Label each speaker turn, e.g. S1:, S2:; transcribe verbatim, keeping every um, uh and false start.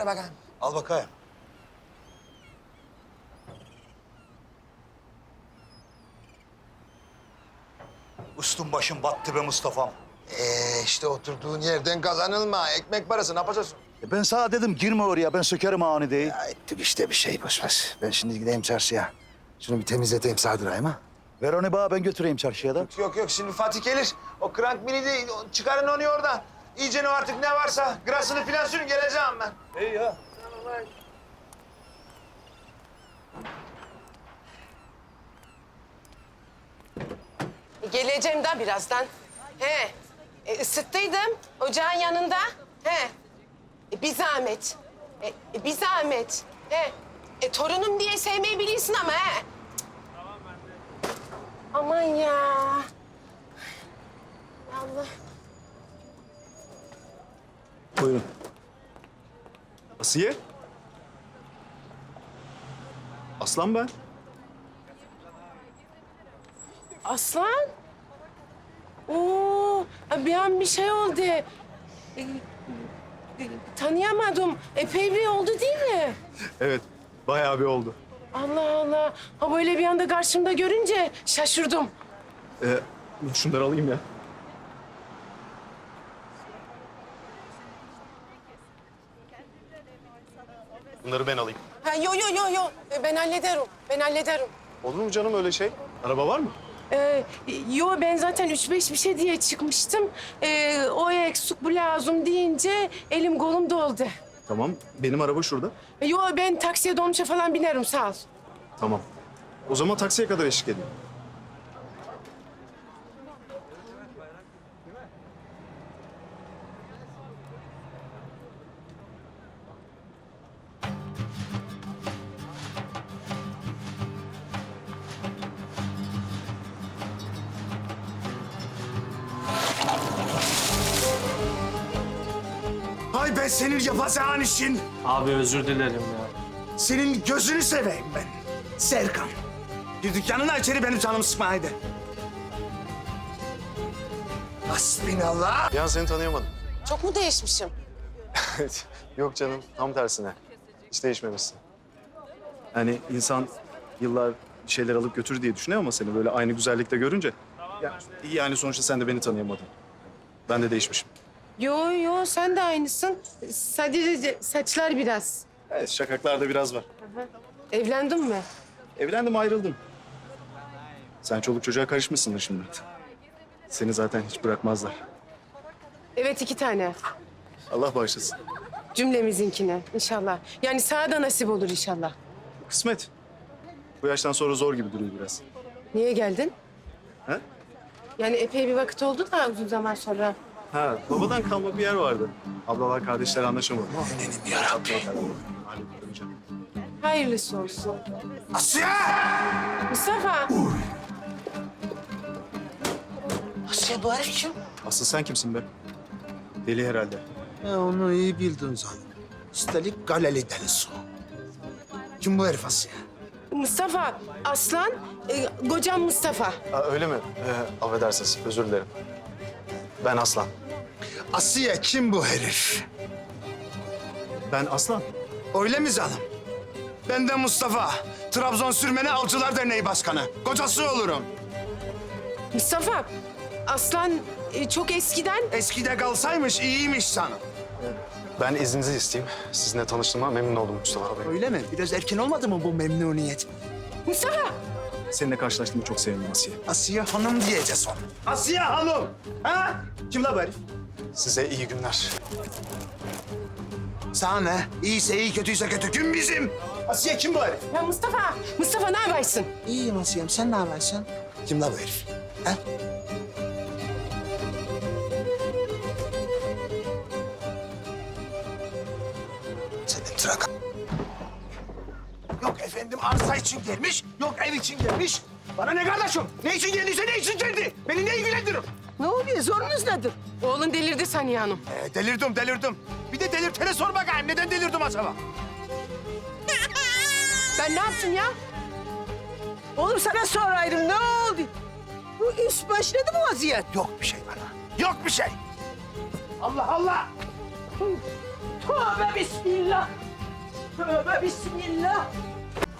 S1: ver bakayım.
S2: Al bakayım. Üstün başın battı be Mustafa'm.
S1: Ee, işte oturduğun yerden kazanılma. Ekmek parası ne yapacaksın?
S2: E ben sana dedim girme oraya, ben sökerim ani değil.
S1: Ya ettik işte bir şey boş ver. Ben şimdi gideyim çarşıya. Şunu bir temizleteyim sağdırayım ha.
S2: Ver onu bana, ben götüreyim çarşıya da.
S1: Yok yok şimdi Fatih gelir. O krank mini değil. Çıkarın onu oradan. İyice ne artık ne varsa grasını filan sürün geleceğim ben.
S2: İyi ya.
S3: Geleceğim de birazdan. He, e, ısıttıydım ocağın yanında. He, e, bir zahmet. E, e, bir zahmet. He, e, torunum diye sevmeyi bilirsin ama he. Aman ya. Allah.
S4: Buyurun. Asiye? Aslan ben.
S3: Aslan. Oo, bir an bir şey oldu. E, e, tanıyamadım. Epey bir oldu değil mi?
S4: Evet, bayağı bir oldu.
S3: Allah Allah. Ha böyle bir anda karşımda görünce şaşırdım.
S4: Ee, şunları alayım ya. Bunları ben alayım.
S3: Ha, yo yo yo yo. E, Ben hallederim. Ben hallederim.
S4: Olur mu canım öyle şey? Araba var mı?
S3: Ee, yo ben zaten üç beş bir şey diye çıkmıştım. Ee, o eksik bu lazım deyince elim kolum doldu.
S4: Tamam, benim araba şurada.
S3: E, Yo ben taksiye dolmuşa falan binerim sağ ol.
S4: Tamam. O zaman taksiye kadar eşlik edeyim.
S1: Ay ben senin yapacağın işin.
S5: Abi özür dilerim ya.
S1: Senin gözünü seveyim ben. Serkan. Bir dükkanına içeri benim canımı sıkma haydi. Hasbinallah.
S4: Ya seni tanıyamadım.
S3: Çok mu değişmişim?
S4: Yok canım, tam tersine. Hiç değişmemişsin. Yani insan yıllar bir şeyler alıp götür diye düşünüyor ama seni böyle aynı güzellikte görünce... Ya, yani sonuçta sen de beni tanıyamadın. Ben de değişmişim.
S3: Yo yo sen de aynısın. Sadece saçlar biraz.
S4: Evet, şakaklarda biraz var.
S3: Evlendin mi?
S4: Evlendim, ayrıldım. Sen çoluk çocuğa karışmışsındır şimdi. Seni zaten hiç bırakmazlar.
S3: Evet iki tane.
S4: Allah bağışlasın.
S3: Cümlemizinkine inşallah. Yani sana da nasip olur inşallah.
S4: Kısmet. Bu yaştan sonra zor gibi duruyor biraz.
S3: Niye geldin?
S4: Ha?
S3: Yani epey bir vakit oldu da uzun zaman sonra.
S4: Ha, babadan kalma bir yer vardı. Ablalar kardeşler anlaşamadı.
S1: Benim yarabbim.
S4: Hallettim canım.
S3: Hayırlısı olsun.
S1: Asya!
S3: Mustafa.
S1: Asya bu herif kim?
S4: Asıl sen kimsin be? Deli herhalde.
S1: Ya onu iyi bildin zaten. Üstelik Galeli delisi o. Kim bu herif Asya?
S3: Mustafa, Aslan, e, kocam Mustafa.
S4: Ha, öyle mi? Ee, affedersiniz, özür dilerim. Ben Aslan.
S1: Asiye kim bu herif?
S4: Ben Aslan.
S1: Öyle mi canım? Ben de Mustafa. Trabzon Sürmeni Avcılar Derneği Başkanı. Kocası olurum.
S3: Mustafa, Aslan e, çok eskiden...
S1: Eskide kalsaymış iyiymiş sana.
S4: Ben izninizi isteyeyim. Sizinle tanıştığıma memnun oldum Mustafa Bey.
S1: Öyle mi? Biraz erken olmadı mı bu memnuniyet?
S3: Mustafa!
S4: Seninle karşılaştığımı çok sevindim Asiye.
S1: Asiye Hanım diyeceğiz ona. Asiye Hanım! Ha? Kim la bu herif?
S4: Size iyi günler.
S1: Sana ne? İyiyse iyi, kötüyse kötü. Gün bizim. Asiye kim bu herif?
S3: Ya Mustafa, Mustafa ne yaparsın?
S1: İyiyim Asiye'm. Sen ne yapıyorsun? Kim la bu herif? Ha? Senin trak... Yok efendim arsa için gelmiş, yok ev için gelmiş. Bana ne kardeşim? Ne için geldiyse ne için geldi? Beni ne ilgilendirir?
S3: Ne oluyor? Sorunuz nedir? Oğlun delirdi Saniye Hanım.
S1: Ee, delirdim, delirdim. Bir de delirtene sor bakayım. Neden delirdim acaba?
S3: Ben ne yaptım ya?
S6: Oğlum sana soraydım ne oldu? Bu iş başladı mı vaziyet?
S1: Yok bir şey bana. Yok bir şey. Allah Allah.
S6: Tövbe bismillah. Tövbe bismillah.